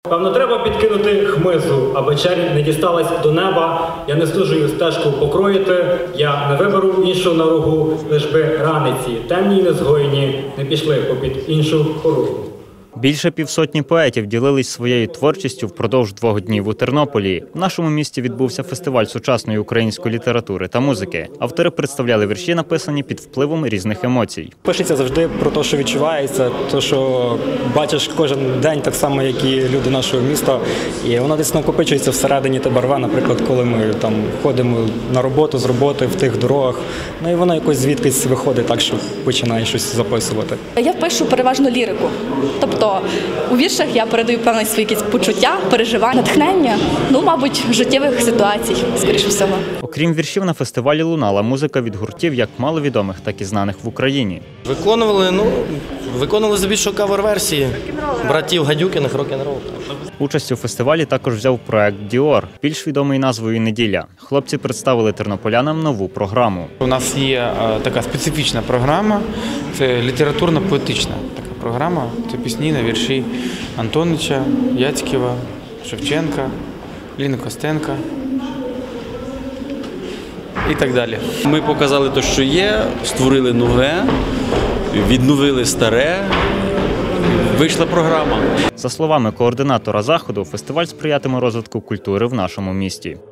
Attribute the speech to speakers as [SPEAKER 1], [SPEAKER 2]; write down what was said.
[SPEAKER 1] Певно, треба підкинути хмизу, аби чернь не дісталась до неба. Я не служую стежку покроїти, я не виберу іншу наругу, лиш би раниці, темні й незгойні, не пішли попід іншу хоругу.
[SPEAKER 2] Більше півсотні поетів ділились своєю творчістю впродовж 2 днів у Тернополі. В нашому місті відбувся фестиваль сучасної української літератури та музики. Автори представляли вірші, написані під впливом різних емоцій.
[SPEAKER 3] Пишеться завжди про те, що відчувається, те, що бачиш кожен день, так само, як і люди нашого міста. І воно десь накопичується всередині тебе рве, наприклад, коли ми там ходимо на роботу, з роботи, в тих дорогах. Ну і воно якось звідкись виходить так, що починає щось записувати.
[SPEAKER 4] Я пишу переважно лірику. Тобто у віршах я передаю певні свої якісь почуття, переживання, натхнення, мабуть, життєвих ситуацій, скоріше всього.
[SPEAKER 2] Окрім віршів, на фестивалі лунала музика від гуртів як маловідомих, так і знаних в Україні.
[SPEAKER 5] Виконували здебільшого кавер-версії братів Гадюкіних «Рок-н-рол».
[SPEAKER 2] Участь у фестивалі також взяв проект «Діор», більш відомий назвою «Неділя». Хлопці представили тернополянам нову програму.
[SPEAKER 6] У нас є така специфічна програма, це літературно-поетична така програма. Це пісні на вірші Антонича, Яцькєва, Шевченка, Ліни Костенка і так далі.
[SPEAKER 7] Ми показали те, що є, створили нове, відновили старе. Вийшла програма.
[SPEAKER 2] За словами координатора заходу, фестиваль сприятиме розвитку культури в нашому місті.